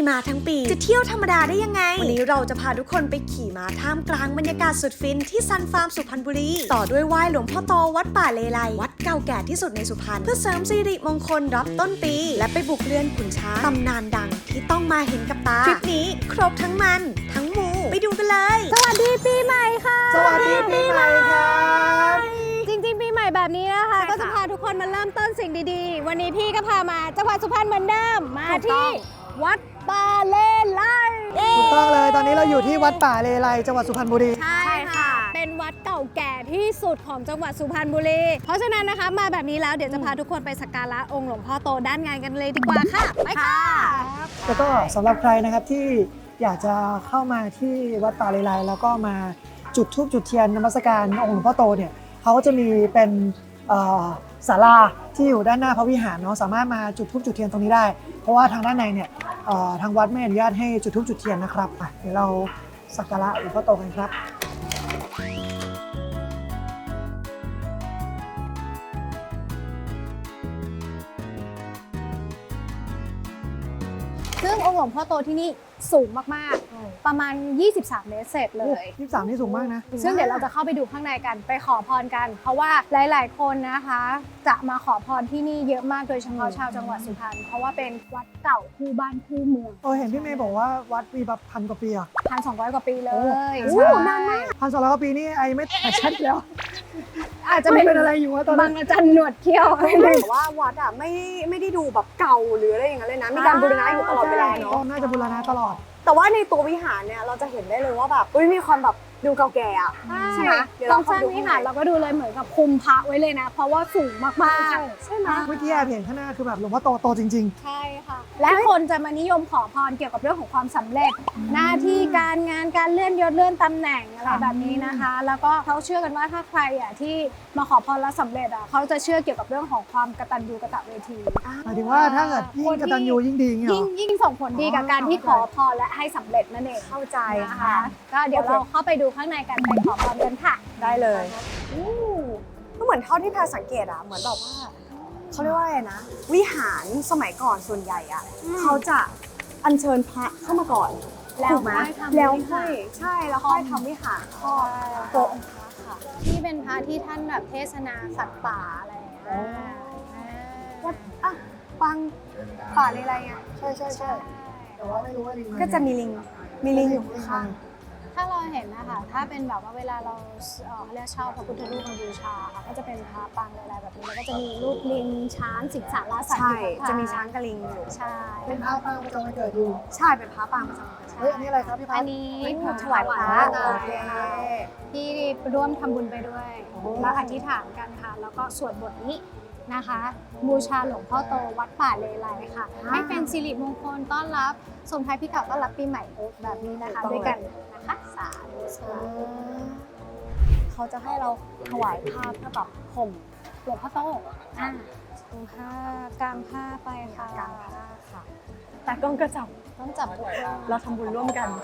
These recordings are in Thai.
ม้าทั้งปีจะเที่ยวธรรมดาได้ยังไงวันนี้เราจะพาทุกคนไปขี่ม้าท่ามกลางบรรยากาศสุดฟินที่ซันฟาร์มสุพรรณบุรีต่อด้วยไหว้หลวงพ่อโตวัดป่าเลไลวัดเก่าแก่ที่สุดในสุพรรณเพื่อเสริมสิริมงคลรับต้นปีและไปบุกเรือนขุนช้างตำนานดังที่ต้องมาเห็นกับตาทริปนี้ครบทั้งมันทั้งมูไปดูกันเลยสวัสดีปีใหม่ค่ะสวัสดีปีใหม่ครับจริงๆปีใหม่แบบนี้นะคะก็จะพาทุกคนมาเริ่มต้นสิ่งดีๆวันนี้พี่ก็พามาจังหวัดสุพรรณเหมือนเดิมมาที่วัดป่าเลไลถูกต้องเลยตอนนี้เราอยู่ที่วัดป่าเลไลจังหวัดสุพรรณบุรีใช่ค่ะเป็นวัดเก่าแก่ที่สุดของจังหวัดสุพรรณบุรีเพราะฉะนั้นนะคะมาแบบนี้แล้วเดี๋ยวจะพาทุกคนไปสักการะองค์หลวงพ่อโตด้านงานกันเลยดีกว่าค่ะไปค่ะแล้วก็สำหรับใครนะครับที่อยากจะเข้ามาที่วัดป่าเลไลแล้วก็มาจุดธูปจุดเทียนนมัสการองค์หลวงพ่อโตเนี่ยเขาก็จะมีเป็นศาลาที่อยู่ด้านหน้าพระวิหารเนาะสามารถมาจุดธูปจุดเทียนตรงนี้ได้เพราะว่าทางด้านในเนี่ยทางวัดไม่อนุญาตให้จุดธูปจุดเทียนนะครับเดี๋ยวเราสักการะหลวงพ่อโตกันครับซึ่งองค์หลวงพ่อโตที่นี่สูงมากๆประมาณ23 เมตรเศษเลย 23นี่สูงมากนะซึ่งเดี๋ยวเราจะเข้าไปดูข้างในกันไปขอพรกันเพราะว่าหลายๆคนนะคะจะมาขอพรที่นี่เยอะมากโดยเฉพาะชาวจังหวัดสุพรรณเพราะว่าเป็นวัดเก่าคู่บ้านคู่เมืองเห็นพี่เมย์บอกว่าวัดมีแบบ1,000 กว่าปีอะ 1,200 กว่าปีเลยโอ้นานมาก1,200 กว่าปีนี่ไอไม่ชัดแล้วอาจจะเป็นอะไรอยู่วะตอนนั้นบางอาจารย์หนวดเขี้ยวแต่ว่าวัดอ่ะไม่ได้ดูแบบเก่าหรืออะไรอย่างเงี้ยเลยนะมีการบูรณะอยู่ตลอดเวลาเนาะน่าจะบูรณะตลอดแต่ว่าในตัววิหารเนี่ยเราจะเห็นได้เลยว่าแบบมีความแบบดูเก่าแก่อะใช่ไหมตรงสร้างวิหารเราก็ดูเลยเหมือนกับคุมพระไว้เลยนะเพราะว่าสูงมากๆใช่ไหมเมื่อกี้แอบเห็นข้างหน้าคือแบบหลวงพ่อโตจริงๆใช่ค่ะและคนจะมานิยมขอพรเกี่ยวกับเรื่องของความสำเร็จหน้าที่การงานการเลื่อนยศเลื่อนตำแหน่งอะไรแบบนี้นะคะแล้วก็เขาเชื่อกันว่าถ้าใครที่มาขอพรแล้วสำเร็จเขาจะเชื่อเกี่ยวกับเรื่องของความกตัญญูกตเวทีหมายถึงว่าถ้าเกิดยิ่งกตัญญูยิ่งดียิ่งส่งผลดีกับการที่ขอพรและให้สำเร็จนั่นเองเข้าใจค่ะก็เดี๋ยวเราเข้าไปดูข้างในกันไปขอพรกันค่ะได้เลยก็เหมือนเท่าที่แพรสังเกตอะเหมือนแบบว่าเขาเรียกว่าอะไรนะวิหารสมัยก่อนส่วนใหญ่อะเขาจะอัญเชิญพระเข้ามาก่อนแล้วค่อยใช่แล้วค่อยทำวิหารครอบตัวองค์พระค่ะที่เป็นพระที่ท่านแบบเทศนาสัตว์ป่าอะไรอย่างเงี้ยวัดปังป่าในอะไรเงี้ยใช่แต่ว่าไม่รู้ว่าลิงก็จะมีลิงอยู่ข้างถ้าเราเห็นนะคะถ้าเป็นแบบว่าเวลาเราเรียกเช่าพระพุทธรูปมาบูชาค่ะก็จะเป็นพระปางอะไรแบบนี้แล้วก็จะมีรูปลิงช้างสิงสารสัตว์ใช่จะมีช้างกับลิงอยู่ใช่เป็นพระปางประจำวันเกิดอยู่ใช่เป็นพระปางประจำวันเกิดอันนี้อะไรครับพี่พัฒน์อันนี้ถวายพระโอเคที่ร่วมทำบุญไปด้วยแล้วอธิษฐานกันค่ะแล้วก็สวดบทนี้นะคะบูชาหลวงพ่อโตวัดป่าเลไลค่ะให้เป็นสิริมงคลต้อนรับส่งท้ายปีเก่าต้อนรับปีใหม่แบบนี้นะคะด้วยกันนะคะสาธุเขาจะให้เราถวายผ้าเพื่อแบบห่มหลวงพ่อโตตรงผ้ากางผ้าไปค่ะกางผ้าค่ะแต่กล้องก็จับต้องจับทุกคนเราทำบุญร่วมกัน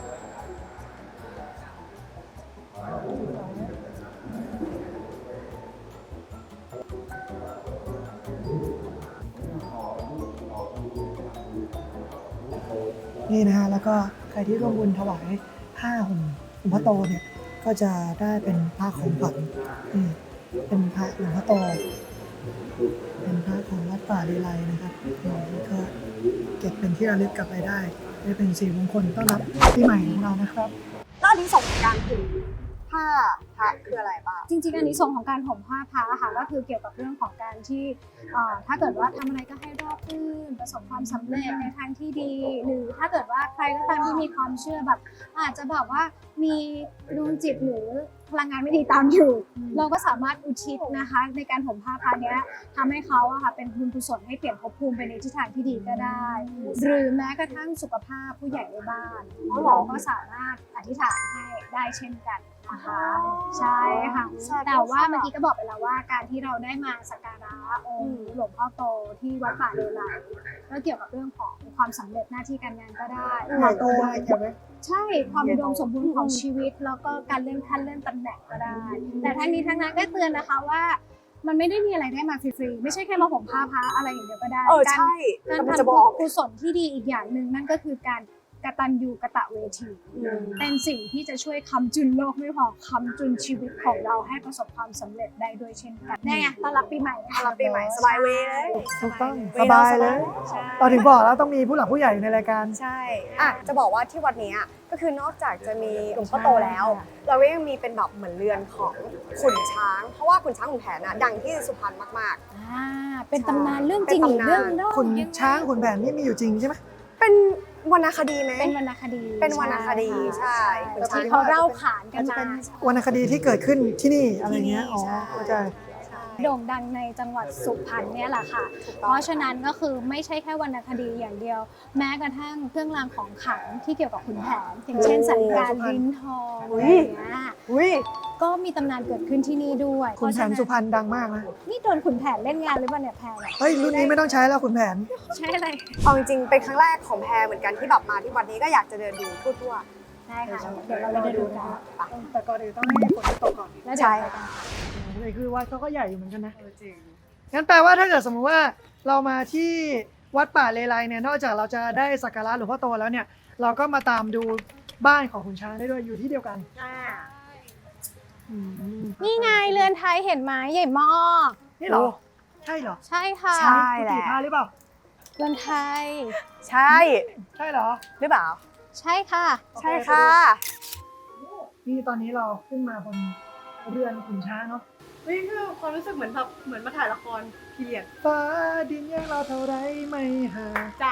นี่นะฮะแล้วก็ใครที่ร่วมบุญถวายผ้าห่มหลวงพ่อโตเนี่ยก็จะได้เป็นผ้าของขวัญเป็นพระหลวงพ่อโตเป็นพระของวัดป่าเลไลนะครับก็เก็บเป็นที่ระลึกกลับไปได้เป็นสิริมงคลต้อนรับปีใหม่ของเรานะครับแล้วนี้ส่งการถึงผ้าพระคืออะไรบ้างจริงๆอันนี้ส่งของการห่มผ้าพระค่ะก็คือเกี่ยวกับเรื่องของการที่ถ้าเกิดว่าทำอะไรก็ให้ราบรื่นประสบความสำเร็จในทางที่ดีหรือถ้าเกิดว่าใครก็ตามที่มีความเชื่อแบบอาจจะแบบว่ามีดวงจิตหรือพลังงานไม่ดีตามอยู่เราก็สามารถอุทิศนะคะในการห่มผ้าพระนี้ทำให้เขาเป็นบุญกุศลให้เปลี่ยนภพภูมิไปในทิศทางที่ดีก็ได้หรือแม้กระทั่งสุขภาพผู้ใหญ่ในบ้านเราก็สามารถอธิษฐานให้ได้เช่นกันนะคะใช่ค่ะแต่ว่าเมื่อกี้ก็บอกไปแล้วว่าการที่เราได้มาสักการะองค์หลวงพ่อโตที่วัดป่าเลไลก็เกี่ยวกับเรื่องของความสำเร็จหน้าที่การงานก็ได้โตได้ใช่ไหมใช่ความอุดมสมบูรณ์ของชีวิตแล้วก็การเลื่อนขั้นเลื่อนตำแหน่งก็ได้แต่ทั้งนี้ทั้งนั้นก็เตือนนะคะว่ามันไม่ได้มีอะไรได้มาฟรีๆไม่ใช่แค่มาผมผ้าพระอะไรอย่างเดียวก็ได้ใช่การกำลังทำจะบอกกุศลที่ดีอีกอย่างหนึ่งนั่นก็คือการกตัญญูกตเวที เป็นสิ่งที่จะช่วยค้ำจุนโลกไม่พอค้ำจุนชีวิตของเราให้ประสบความสำเร็จได้ด้วยเช่นกันนี่ไงต้อนรับปีใหม่ต้อนรับปีใหม่สบายเวย์เลยถูกต้องเวสลาบายเลยใช่เราถึงบอกแล้วต้องมีผู้หลักผู้ใหญ่อยู่ในรายการใช่จะบอกว่าที่วัดเนี้ยก็คือนอกจากจะมีหลวงพ่อโตแล้ว เราก็ยังมีเป็นแบบเหมือนเรือนของขุนช้าง เพราะว่าขุนช้างขุนแผนดังที่สุพรรณมากเป็นตำนานเรื่องจริงหรือเรื่องเล่าขุนช้างขุนแผนนี่มีอยู่จริงใช่ไหมๆ เป็นวรรณคดีไหมเป็นวรรณคดีเป็นวรรณคดีใช่ขุนช้างที่เขาเล่าขานกันมาวรรณคดีที่เกิดขึ้นที่นี่อะไรเงี้ย อ๋อ เข้าใจโด่งดังในจังหวัดสุพรรณเนี่ยแหละค่ะ เพราะฉะนั้นก็คือไม่ใช่แค่วรรณคดีอย่างเดียว แม้กระทั่งเครื่องรางของขลังที่เกี่ยวกับขุนแผนอย่างเช่นสันการลิ้นทองอะไรอย่างเงี้ยอุ้ยก็มีตำนานเกิดขึ้นที่นี่ด้วยขุนแผนสุพรรณดังมากนะนี่โดนขุนแผนเล่นงานหรือเปล่าเนี่ยแพรเนี่ยเฮ้ย รุ่นนี้ไม่ต้องใช้แล้วขุนแผนใช่อะไรเอาจริงๆ เป็นครั้งแรกของแพรเหมือนกันที่แบบมาที่วัดนี้ก็อยากจะเดินดูทั่วได้ค่ะ เดี๋ยวเราไปดูกันแต่ก่อนอื่นต้องให้ฝนตกก่อนแล้วเดี๋ยวไปกันเลยคือวัดเขาก็ใหญ่อยู่เหมือนกันนะจริงงั้นแปลว่าถ้าเกิดสมมติว่าเรามาที่วัดป่าเลไลเนี่ย นอกจากเราจะได้สักการะหลวงพ่อโตแล้วเนี่ย เราก็มาตามดูบ้านของขุนช้างได้ด้วยอยู่ที่เดียวกันอืมนี่ไงเรือนไทยเห็นไหมใหญ่มากนี่เหรอ ใช่เหรอใช่ค่ะใช่กุฏิพระหรือเปล่าเรือนไทยๆ ใช่ใช่เหรอหรือเปล่าใช่ค่ะใช่ค่ะนี่ตอนนี้เราขึ้นมาบนเรือนขุนช้างเนาะนี่คือความรู้สึกเหมือนแบบเหมือนมาถ่ายละครพีเรียดฟ้าดินแยกเราเท่าไรไม่ห่างจ้ะ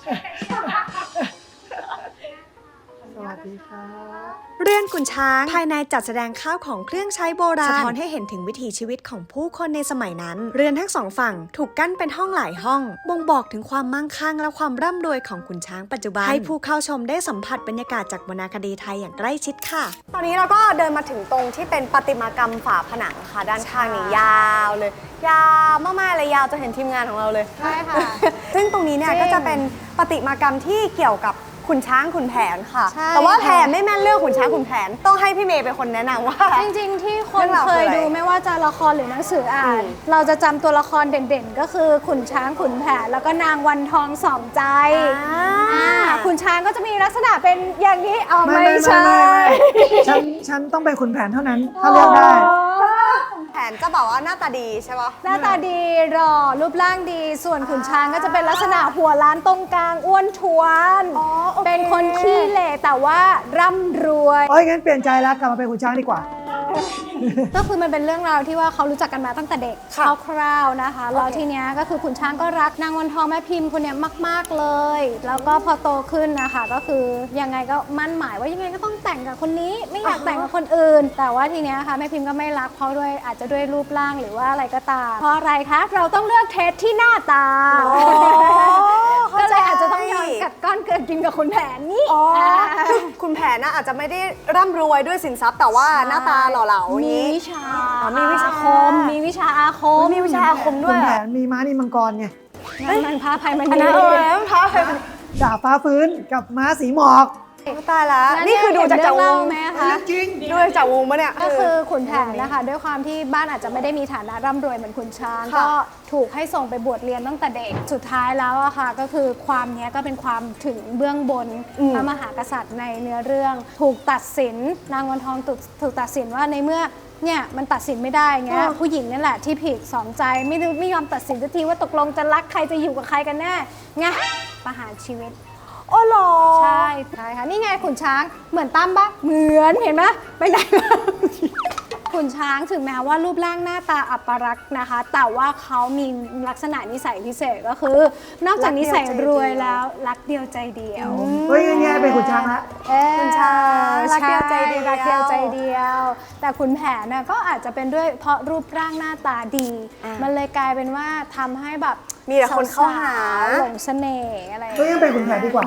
สวัสดีครับเรือนขุนช้างภายในจัดแสดงข้าวของเครื่องใช้โบราณสะท้อนให้เห็นถึงวิถีชีวิตของผู้คนในสมัยนั้น เรือนทั้งสองฝั่งถูกกั้นเป็นห้องหลายห้องบ่งบอกถึงความมั่งคั่งและความร่ำรวยของขุนช้างปัจจุบันให้ผู้เข้าชมได้สัมผัสบรรยากาศจากวรรณคดีไทยอย่างใกล้ชิดค่ะตอนนี้เราก็เดินมาถึงตรงที่เป็นประติมากรรมฝาผนังค่ะ ด้านข้างนี่ยาวเลย ยาวมากๆเลยยาวจะเห็นทีมงานของเราเลยใช่ค่ะซึ่งตรงนี้เนี่ยจริงก็จะเป็นประติมากรรมที่เกี่ยวกับขุนช้างขุนแผนค่ะใช่แต่ว่าแพรค่ะไม่แม่นเรื่องขุนช้างขุนแผนต้องให้พี่เมย์เป็นคนแนะนำว่าจริงๆ ที่คนเรื่องราวเคยคืออะไรดูไม่ว่าจะละครหรือหนังสืออ่านอืมเราจะจำตัวละครเด่นๆ ก็คือขุนช้างขุนแผนแล้วก็นางวันทองสองใจขุนช้างก็จะมีลักษณะเป็นอย่างนี้เอาไม่ใช่ฉันต้องเป็นขุนแผนเท่านั้น ถ้าเลือกได้แผนจะบอกว่าหน้าตาดีใช่ปะหน้าตาดีหล่อรูปร่างดี ส่วนขุนช้างก็จะเป็นลักษณะหัวล้านตรงกลางอ้วนท้วนอ๋อโอเคเป็นคนขี้เหร่แต่ว่าร่ำรวยเอ้ยงั้นเปลี่ยนใจแล้วกลับมาเป็นขุนช้างดีกว่าก็คือมันเป็นเรื่องราวที่ว่าเขารู้จักกันมาตั้งแต่เด็กค่ะคร่าวๆนะคะแล้วทีเนี้ยก็คือขุนช้างก็รักนางวันทองแม่พิมพ์คนเนี้ยมากๆเลย แล้วก็พอโตขึ้นนะคะก็คือยังไงก็มั่นหมายว่ายังไงก็ต้องแต่งกับคนนี้ไม่อยากแต่งกับคนอื่น แต่ว่าทีเนี้ยค่ะแม่พิมพ์ก็ไม่รักเพราะด้วยอาจจะด้วยรูปร่างหรือว่าอะไรก็ตามเพราะอะไรคะเราต้องเลือกเทสที่หน้าตา ก็เลยอาจจะต้องยอมกัดก้อนเกินกินกับขุนแผนนี่อ๋อคือคุณแผนน่ะอาจจะไม่ได้ร่ำรวยด้วยสินทรัพย์ แต่ว่าหน้าตาหล่อเหลาอย่างมีนี้วิชาอ๋อมีวิชาอาคมมีวิชาอาคมมีวิชาอาคมด้ขุวยนเหรแผอนมีม้านิมังกรไงมันพาภัยมันอันดีนั้นท้าใครเป็นดาบฟ้าฟื้นกับม้าสีหมอกตายละนี่คือดูจากวเรื่อง ไหมคะจริงดูจากวงปะเนี่ยก็คือขุนแผนนะคะ ด้วยความที่บ้านอาจจะไม่ได้มีฐานะร่ำรวยเหมือนขุนช้างค่ะก็ถูกให้ส่งไปบวชเรียนตั้งแต่เด็กสุดท้ายแล้วอะค่ะก็คือความเนี้ยก็เป็นความถึงเบื้องบนพระมหากษัตริย์ในเนื้อเรื่อง ถูกตัดสินนางวันทองถูกตัดสินว่าในเมื่อเนี่ยมันตัดสินไม่ได้เงี้ยผู้หญิงนั่นแหละที่ผิดสองใจไม่ยอมตัดสินสักทีว่าตกลงจะรักใครจะอยู่กับใครกันแน่ไงประหารชีวิตโอ้โหรอใช่ค่ะนี่ไงขุนช้างเหมือนตั้มปะเหมือนเห็นไหมไปไหนมา ขุนช้างถึงแม้ว่ารูปร่างหน้าตาอัปลักษณ์นะคะ แต่ว่าเขามีลักษณะนิสัยพิเศษก็คือ นอกจากนิสัยรวยแล้วรักเดียวใจเดียวเฮ้ยแง่เป็นขุนช้างละขุนช้างรักเดียวใจเดียวใช่รักเดียวใจเดียว แต่ขุนแผนน่ะก็อาจจะเป็นด้วยเพราะรูปร่างหน้าตาดี มันเลยกลายเป็นว่าทำให้แบบมีแต่คนเข้าหาสวๆหลงเสน่ห์อะไรอย่างเฮ้ยเงี้ยยังเป็นขุนแผนดีกว่า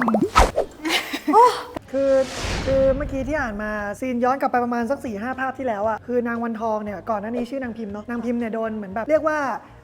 คือเมื่อกี้ที่อ่านมาซีนย้อนกลับไปประมาณสัก 4-5 ภาพที่แล้วอะคือนางวันทองเนี่ยก่อนหน้านี้ชื่อนางพิมพ์เนาะนางพิมพ์เนี่ยโดนเหมือนแบบเรียกว่า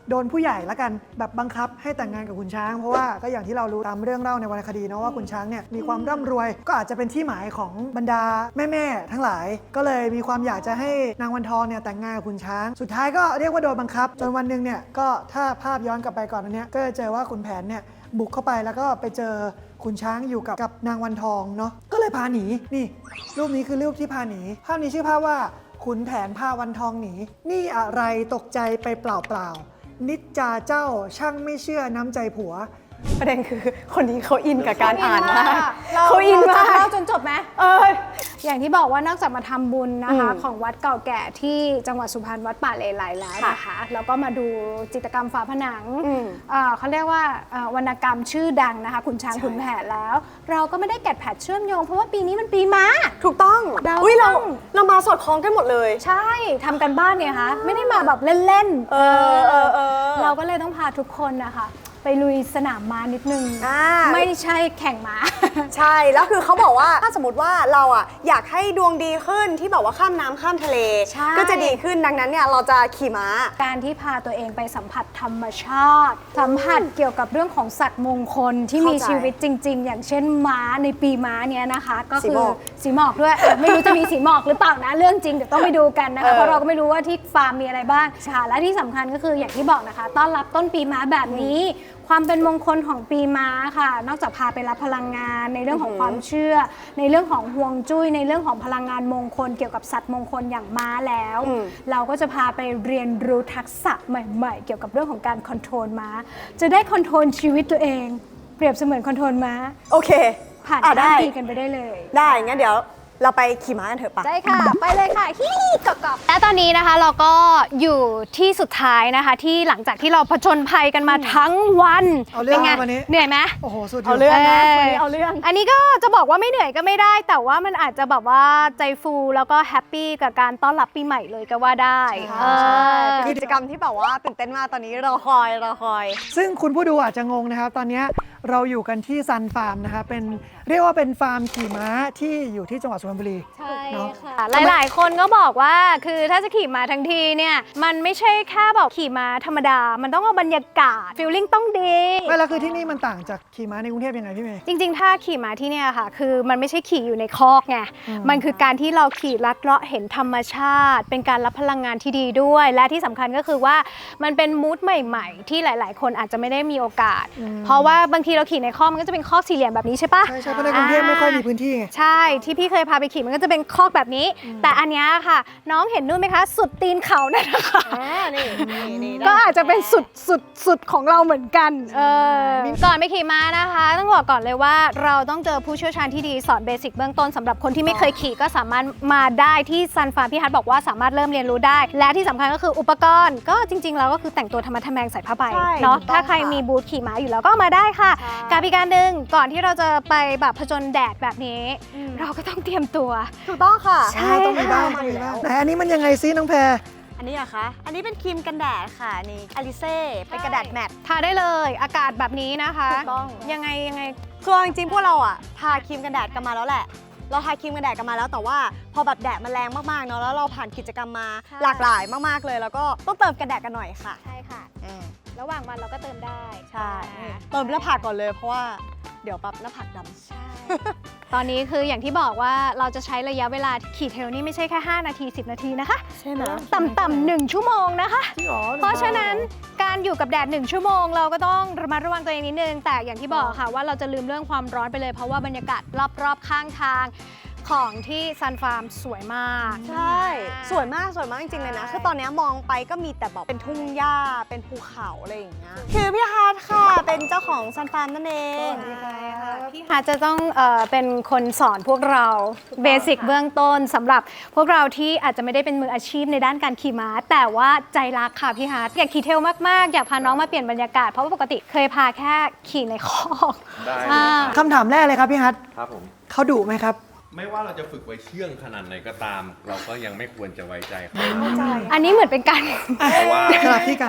โดนผู้ใหญ่ละกันแบบบังคับให้แต่งงานกับขุนช้างเพราะว่าก็อย่างที่เรารู้ตามเรื่องเล่าในวรรณคดีเนาะว่าขุนช้างเนี่ยมีความร่ำรวยก็อาจจะเป็นที่หมายของบรรดาแม่ๆทั้งหลายก็เลยมีความอยากจะให้นางวันทองเนี่ยแต่งงานกับขุนช้างสุดท้ายก็เรียกว่าโดนบังคับจนวันหนึ่งเนี่ยก็ถ้าภาพย้อนกลับไปก่อนอันเนี้ยก็จะเจอว่าขุนแผนเนี่ยบุกเข้าไปแล้วก็ไปเจอขุนช้างอยู่กับนางวันทองเนาะก็เลยพาหนีนี่รูปนี้คือรูปที่พาหนีภาพนี้ชื่อภาพว่าขุนแผนพาวันทองหนีนี่อะไรตกใจไปเปล่าๆนิจจาเจ้าช่างไม่เชื่อน้ำใจผัวประเด็นคือคนนี้เขาอินกับการอ่านมากเราเขาอินมากเล่าจนจบไหมอย่างที่บอกว่านอกจากมาทำบุญนะคะของวัดเก่าแก่ที่จังหวัดสุพรรณวัดป่าเลไลแล้วนะคะแล้วก็มาดูจิตรกรรมฝาผนังเขาเรียกว่าวรรณกรรมชื่อดังนะคะขุนช้างขุนแผนแล้ว เราก็ไม่ได้แกะแผดเชื่อมโยงเพราะว่าปีนี้มันปีม้าถูกต้องอุ๊ยเรามาสอดคล้องกันหมดเลยใช่ทำกันบ้านเนี่ยคะไม่ได้มาแบบเล่นๆเราก็เลยต้องพาทุกคนนะคะไปลุยสนามม้านิดนึงไม่ใช่แข่งม้าใช่แล้วคือเขาบอกว่าถ้าสมมติว่าเราอ่ะอยากให้ดวงดีขึ้นที่แบบว่าข้ามน้ำข้ามทะเล ก็จะดีขึ้นดังนั้นเนี่ยเราจะขี่ม้าการที่พาตัวเองไปสัมผัสธรรมชาติสัมผัสเกี่ยวกับเรื่องของสัตว์มงคลที่มีชีวิตจริงๆอย่างเช่นม้าในปีม้าเนี้ยนะคะก็คือสีหมอกด้วยไม่รู้จะมีสีหมอกหรือเปล่านะเรื่องจริงเดี๋ยวต้องไปดูกันนะคะเพราะเราก็ไม่รู้ว่าที่ฟาร์มมีอะไรบ้างค่ะและที่สำคัญก็คืออย่างที่บอกนะคะต้อนรับต้นปีม้าแบบนี้ความเป็นมงคลของปีม้าค่ะนอกจากพาไปรับพลังงานในเรื่องของความเชื่อในเรื่องของฮวงจุ้ยในเรื่องของพลังงานมงคลเกี่ยวกับสัตว์มงคลอย่างม้าแล้วเราก็จะพาไปเรียนรู้ทักษะใหม่ๆเกี่ยวกับเรื่องของการคอนโทรลม้าจะได้คอนโทรลชีวิตตัวเองเปรียบเสมือนคอนโทรลม้าโอเคผ่านการตีกันไปได้เลยได้งั้นเดี๋ยวเราไปขี่ม้ากันเถอะปะได้ค่ะไปเลยค่ะฮิกรอบและตอนนี้นะคะเราก็อยู่ที่สุดท้ายนะคะที่หลังจากที่เราผจญภัยกันมาทั้งวันเป็นไงวันนี้เหนื่อยไหมโอ้โหสุดเอาเรื่องนะวันนี้เอาเรื่องอันนี้ก็จะบอกว่าไม่เหนื่อยก็ไม่ได้แต่ว่ามันอาจจะแบบว่าใจฟูแล้วก็แฮปปี้กับการต้อนรับปีใหม่เลยก็ว่าได้กิจกรรมที่แบบว่าตื่นเต้นมากตอนนี้รอคอยซึ่งคุณผู้ดูอาจจะงงนะครับตอนนี้เราอยู่กันที่ซันฟาร์มนะคะเป็นเรียกว่าเป็นฟาร์มขี่ม้าที่อยู่ที่จังหวัดสุพรรณบุรีใช่ค่ะหลายๆคนก็บอกว่าคือถ้าจะขี่ม้าทั้งทีเนี่ยมันไม่ใช่แค่แบบขี่ม้าธรรมดามันต้องเอาบรรยากาศฟีลลิ่งต้องดีไม่แล้วคือที่นี่มันต่างจากขี่ม้าในกรุงเทพยังไงพี่เมย์จริงๆถ้าขี่ม้าที่เนี่ยค่ะคือมันไม่ใช่ขี่อยู่ในคอกไงมันคือการที่เราขี่ลัดเลาะเห็นธรรมชาติเป็นการรับพลังงานที่ดีด้วยและที่สำคัญก็คือว่ามันเป็นมูดใหม่ๆที่หลายๆคนอาจจะไม่ได้มีโอกาสเพราะว่าบางทีเราขี่ในคอกมันก็จะเป็นคอกสี่เหลี่ยมแบบนี้ใช่ปะใช่เพราะในกรุงเทพไม่ค่อยมีพื้นที่ไงใช่ที่พี่เคยพาไปขี่มันก็จะเป็นคอกแบบนี้แต่อันนี้ค่ะน้องเห็นนู่นไหมคะสุดตีนเขานั่นนะคะก็อาจจะเป็นสุดของเราเหมือนกันก่อนไปขี่ม้านะคะต้องบอกก่อนเลยว่าเราต้องเจอผู้เชี่ยวชาญที่ดีสอนเบสิกเบื้องต้นสำหรับคนที่ไม่เคยขี่ก็สามารถมาได้ที่ซันฟาร์มพี่ฮัทบอกว่าสามารถเริ่มเรียนรู้ได้และที่สำคัญก็คืออุปกรณ์ก็จริงๆแล้วก็คือแต่งตัวธรรมะทแมงใส่ผ้าใบเนาะถ้าใครมีบูธขี่ม้าอยู่แล้วก็มาได้ค่ะกับอีกการหนึ่งก่อนที่เราจะไปแบบผจญแดดแบบนี้เราก็ต้องเตรียมตัวถูกต้องค่ะใช่ต้องมีบ้างแต่อันนี้มันยังไงซิน้องแพรอันนี้อะคะอันนี้เป็นครีมกันแดดค่ะนี่อลิเซ่เป็นกระดาษแมตต์ทาได้เลยอากาศแบบนี้นะคะถูกต้องยังไงคือจริงๆพวกเราอะทาครีมกันแดดกันมาแล้วแหละเราทาครีมกันแดดกันมาแล้วแต่ว่าพอแบบแดดมันแรงมากๆเนาะแล้วเราผ่านกิจกรรมมาหลากหลายมากๆเลยแล้วก็ต้องเติมกันแดดกันหน่อยค่ะใช่ค่ะระหว่างวันเราก็เติมได้ใช่เติมหน้าผากก่อนเลยเพราะว่าเดี๋ยวแบบหน้าผากดำใช่ตอนนี้คืออย่างที่บอกว่าเราจะใช้ระยะเวลาขี่เทรลนี่ไม่ใช่แค่5นาที10นาทีนะคะใช่ไหมต่ำ1ชั่วโมงนะคะเพราะฉะนั้นการอยู่กับแดด1ชั่วโมงเราก็ต้องระมัดระวังตัวเองนิดนึงแต่อย่างที่บอกค่ะว่าเราจะลืมเรื่องความร้อนไปเลยเพราะว่าบรรยากาศรอบๆข้างทางของที่ซันฟาร์มสวยมากใช่สวยมากจริงๆเลยนะคือตอนนี้มองไปก็มีแต่แบบเป็นทุ่งหญ้าเป็นภูเขาอะไรอย่างเงี้ยคือพี่ฮาร์ดค่ะเป็นเจ้าของซันฟาร์มนั่นเองพี่ฮาร์ดจะต้องเป็นคนสอนพวกเราเบสิกเบื้องต้นสำหรับพวกเราที่อาจจะไม่ได้เป็นมืออาชีพในด้านการขี่ม้าแต่ว่าใจรักค่ะพี่ฮาร์ดอยากขี่เทรลมากๆอยากพาน้องมาเปลี่ยนบรรยากาศเพราะว่าปกติเคยพาแค่ขี่ในคอกคำถามแรกเลยครับพี่ฮัทครับผมเขาดุไหมครับไม่ว่าเราจะฝึกไว้เชื่องขนาดไหนก็ตามเราก็ยังไม่ควรจะไว้ใจเขาอันนี้เหมือนเป็นการเพราะว่าสลับที่กัน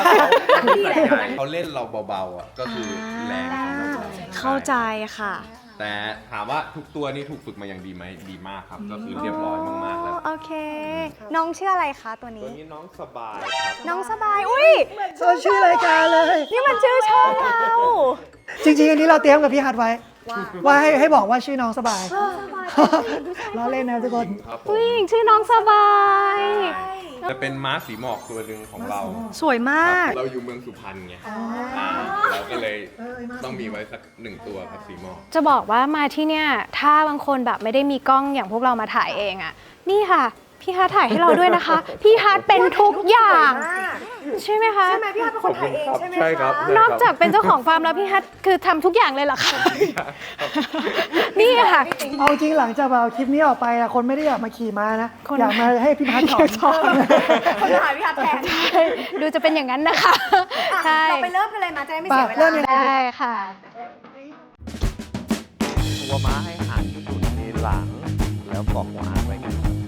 เขาเล่นเราเบาๆอ่ะก็คือแรงของเราเข้าใจค่ะแต่ถามว่าทุกตัวนี่ถูกฝึกมาอย่างดีไหมดีมากครับ ก็คือเรียบร้อยมากๆแล้วโอเค น้องชื่ออะไรคะตัวตัวนี้นี้น้องสบายครับน้องสบาย อุ้ยชื่อรายการเลยนี่มันชื่อช่องเราจริงๆ อันนี้เราเตรียมกับพี่ฮัทไว้ ว่าให้บอกว่าชื่อน้องสบายล้อเล่นนะทุกคนครับผมผู้หญิงชื่อน้องสบายจะเป็นม้าสีหมอกตัวหนึ่งของเราสวยมากเราอยู่เมืองสุพรรณไงเราก็เลยต้องมีไว้สัก1 ตัวครับสีหมอกจะบอกว่ามาที่เนี่ยถ้าบางคนแบบไม่ได้มีกล้องอย่างพวกเรามาถ่ายเองอะนี่ค่ะ พี่ฮาร์ทถ่ายให้เราด้วยนะคะ พี่ฮาร์ทเป็นทุกอย่างใช่ไหมคะใช่ไหมพี่ฮัทเป็นคนถ่ายเองใช่ไหมคะใช่ครับนอกจากเป็นเจ้าของฟาร์มแล้วพี่ฮัทคือทำทุกอย่างเลยเหรอคะนี่ค่ะเอาจริงหลังจากแบบคลิปนี้ออกไปอะคนไม่ได้อยากมาขี่ม้านะ อยากมาให้พี่พัทสอนคนถ่ายพี่ฮัทแทนดูจะเป็นอย่างนั้นนะคะใช่เราไปเริ่มกันเลยมาจะได้ไม่ปะเสียเวเริ่มลายังไงได้ค่ะตัวม้าให้หางที่อยู่ในหลัง แล้วเกาะหัวหางไว้กันครับ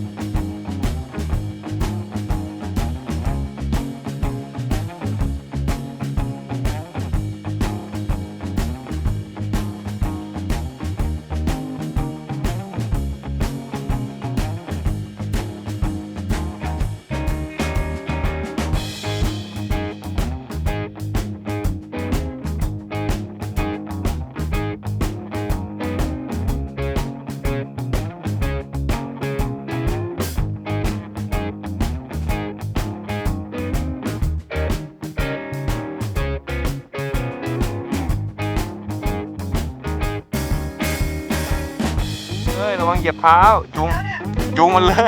เฮ้ย ระวังเหยียบเท้า จุงมันเลย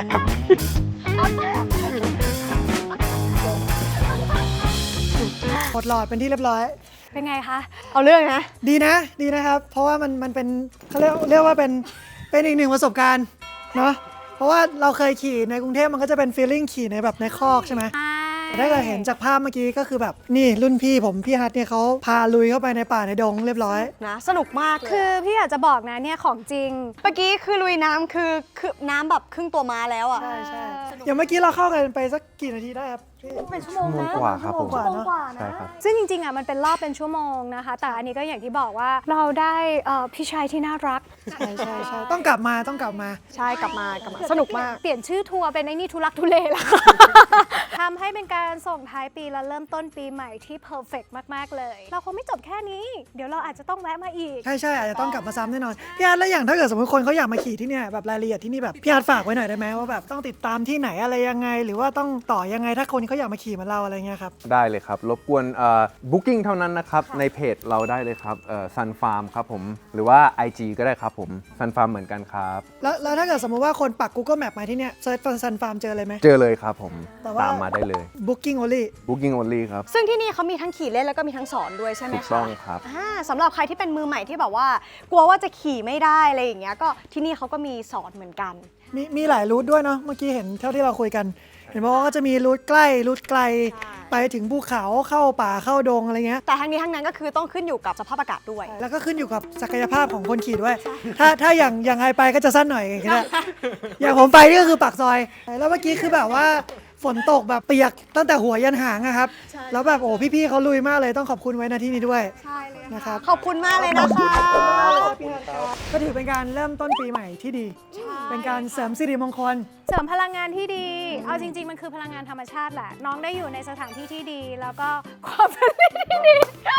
หมดหลอดเป็นที่เรียบร้อยเป็นไงคะเอาเรื่องนะดีนะดีนะครับ เพราะว่ามันเป็นเขาเรียกว่าเป็นอีกหนึ่งประสบการณ์เนาะเพราะว่าเราเคยขี่ในกรุงเทพมันก็จะเป็นฟีลลิ่งขี่ในแบบในคอกใช่ไหมแต่ถ้าเกิดเห็นจากภาพเมื่อกี้ก็คือแบบนี่รุ่นพี่ผมพี่ฮัทเนี่ยเขาพาลุยเข้าไปในป่าในดงเรียบร้อยนะ สนุกมากเลยคือพี่อยากจะบอกนะเนี่ยของจริงเมื่อกี้คือลุยน้ำคือน้ำแบบครึ่งตัวม้าแล้วอ่ะใช่ใช่อย่างเมื่อกี้เราเข้ากันไปสักกี่นาทีได้ครับพี่เป็นชั่วโมงนะชั่วโมงกว่าครับผมชั่วโมงกว่าเนอะใช่ครับซึ่งจริงๆอ่ะมันเป็นรอบเป็นชั่วโมงนะคะ แต่อันนี้ก็อย่างที่บอกว่าเราได้พี่ชายที่น่ารักใช่ใช่ใช่ต้องกลับมาใช่กลับมาสนุกมากเปลี่ยนชื่อทัวร์เป็นไอ้นี่ทุลักทุเลแล้ว ทำให้เป็นการส่งท้ายปีและเริ่มต้นปีใหม่ที่เพอร์เฟกมากๆเลย เราคงไม่จบแค่นี้ เดี๋ยวเราอาจจะต้องแวะมาอีกใช่ใช่อาจจะต้องกลับมาซ้ำแน่นอนพี่ฮัทแล้วอย่างถ้าเกิดสมมติคนเขาอยากมาขี่ที่เนี่ยแบบรายละเอียดที่นี่แบบพี่ฮัทฝากไว้หน่อยได้ไหมว่าแบบต้องติดตามที่ไหนอะไรยังไง หรือว่าต้องต่อยังไงถ้าคนเขาอยากมาขี่เหมาเราอะไรเงี้ยครับได้เลยครับ รบกวนbooking เท่านั้นนะครับ ในเพจเราได้เลยครับSun Farm ครับผม หรือว่า IG ก็ได้ครับผม Sun Farm เหมือนกันครับแล้วถ้าเกิดสมมติว่าคนปัก Google Map มาที่เนี่ยเซิร์ชฟันซันฟาร์มเจอเลยไหมเจอเลยครับผมแต่ว่าตามมาได้เลย Booking only booking only ครับซึ่งที่นี่เขามีทั้งขี่เล่นแล้วก็มีทั้งสอนด้วยใช่ไหมถูคะกต้องครับสำหรับใครที่เป็นมือใหม่ที่แบบว่า กลัวว่าจะขี่ไม่ได้อะไรอย่างเงี้ยก็ที่นี่เขาก็มีสอนเหมือนกันมีหลายรูทด้วยเนาะเมื่อกี้เห็นเท่าที่เราคุยกัน เห็นบอกว่าก็จะมีรูทใกล้รูทไกล ไปถึงภูเขาเข้าป่าเข้าดงอะไรเงี้ยแต่ทั้งนี้ทั้งนั้นก็คือต้องขึ้นอยู่กับสภาพอากาศด้วยแล้วก็ขึ้นอยู่กับศักยภาพของคนขี่ด้วย ถ้าอย่างไอไปก็จะสั้นหน่อยอย่างเงี้ยอย่างผมไปนี่ก็คือปากซอย แล้วเมื่อกี้คือแบบว่าฝนตกแบบเปียกตั้งแต่หัวยันหางอะครับ แล้วแบบโอ้พี่ๆเขาลุยมากเลยต้องขอบคุณไว้นะที่นี้ด้วยใช่เลยนะครับขอบคุณมากเลยนะคะก็ถือเป็นการเริ่มต้นปีใหม่ที่ดี เป็นการเสริมสิริมงคลเสริมพลังงานที่ดี เอาจริง ๆ มันคือพลังงานธรรมชาติแหละ น้องได้อยู่ในสถานที่ที่ดี แล้วก็ความเป็นที่ดี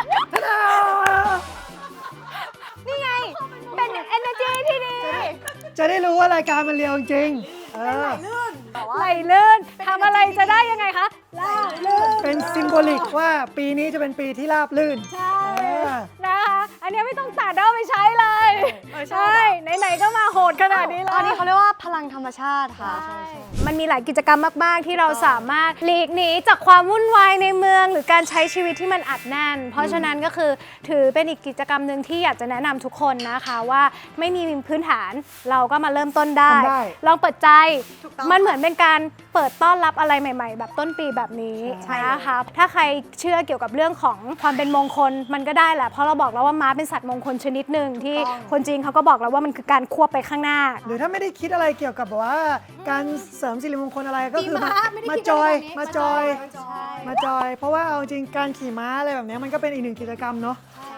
นี่ไง เป็น energy ที่ดีจะได้รู้ว่ารายการมันเรียวจริงไหลลื่นทำอะไรจะได้ยังไงคะเป็นซิมโบลิกว่าปีนี้จะเป็นปีที่ราบลื่น ใช่นะคะ อันนี้ไม่ต้องตัดเอาไปใช้เลย ใช่ ไหนๆก็มาโหดขนาดนี้แล้ตวอนนี้เขาเรียกว่าพลังธรรมชาติค่ะมันมีหลายกิจกรรมมาก ๆ ที่เราสามารถหลีกหนีจากความวุ่นวายในเมือง หรือการใช้ชีวิตที่มันอัดแน่น เพราะฉะนั้นก็คือถือเป็นอีกกิจกรรมหนึ่งที่อยากจะแนะนำทุกคนนะคะว่าไม่มีพื้นฐานเราก็มาเริ่มต้นได้ทำได้ลองเปิดใจถูกต้องมันเหมือนเป็นการเปิดต้อนรับอะไรใหม่ ๆ แบบต้นปีแบบนี้ใช่นะคะถ้าใครเชื่อเกี่ยวกับเรื่องของความเป็นมงคลมันก็ได้แหละเพราะเราบอกแล้วว่าม้าเป็นสัตว์มงคลชนิดหนึ่งที่คนจีนเขาก็บอกแล้วว่ามันคือการควบไปข้างหน้าหรือถ้าไม่ได้คิดอะไรเกี่ยวกับแบบว่าการเสริมสิริมงคลอะไรก็คือปีม้าไม่ได้มาคิดจอยอะไรแบบนี้มาจอย เพราะว่าเอาจริงการขี่ม้าอะไรแบบเนี้ยมันก็เป็นอีกหนึ่งกิจกรรมเนาะ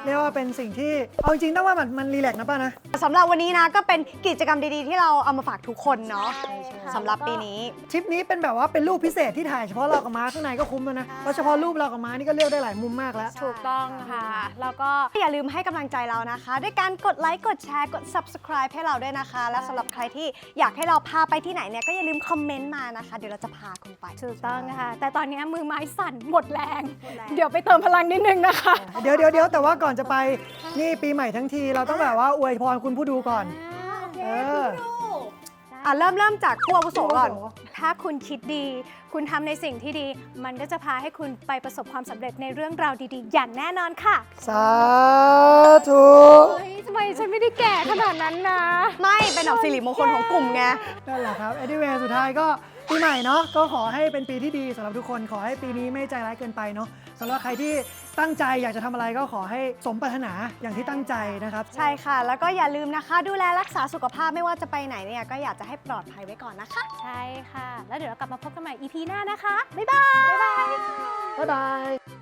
เรียกว่าเป็นสิ่งที่เอาจริงๆต้องว่ามันรีแลกซ์นะป้านะสำหรับวันนี้นะก็เป็นกิจกรรมดีๆที่เราเอามาฝากทุกคนเนาะสำหรับปีนี้ทริปนี้เป็นแบบว่าเป็นรูปพิเศษที่ถ่ายเฉพาะเรากับม้าข้างในก็คุ้มแล้วนะแล้วเฉพาะรูปเรากับม้านี่ก็เลือกได้หลายมุมมากแล้วถูกต้องค่ะ แล้วก็อย่าลืมให้กำลังใจเรานะคะ ด้วยการกดไลค์กดแชร์กด subscribe ให้เราด้วยนะคะ และสำหรับใครที่อยากให้เราพาไปที่ไหนเนี่ยก็อย่าลืมคอมเมนต์มานะคะ เดี๋ยวเราจะพาคุณไปถูกต้องค่ะ แต่ตอนนี้มือไม้สั่นหมดแรง เดี๋ยวไปเติมพลังนิดนึงนะคะเดี๋ยวแต่ว่าก่อนจะไปนี่ปีใหม่ทั้งทีเราต้องแบบว่าอวยพรคุณผู้ดูก่อนเออเริ่มจากผู้อาวุโสก่อนถ้าคุณคิดดี คุณทำในสิ่งที่ดี มันก็จะพาให้คุณไปประสบความสำเร็จในเรื่องราวดีๆ อย่างแน่นอนค่ะสาธุเฮ้ยทำไมฉันไม่ได้แก่ขนาดนั้นนะไม่เป็นดอกสิริมงคลของกลุ่มไงนั่นแหละครับ anyway สุดท้ายก็ปีใหม่เนาะก็ขอให้เป็นปีที่ดีสำหรับทุกคนขอให้ปีนี้ไม่ใจร้ายเกินไปเนาะสำหรับใครที่ตั้งใจอยากจะทำอะไรก็ขอให้สมปรารถนาอย่างที่ตั้งใจนะครับใช่ค่ะ แล้วก็อย่าลืมนะคะ ดูแลรักษาสุขภาพไม่ว่าจะไปไหนเนี่ยก็อยากจะให้ปลอดภัยไว้ก่อนนะคะใช่ค่ะ แล้วเดี๋ยวเรากลับมาพบกันใหม่ EP หน้านะคะ บ๊ายบายบ๊ายบาย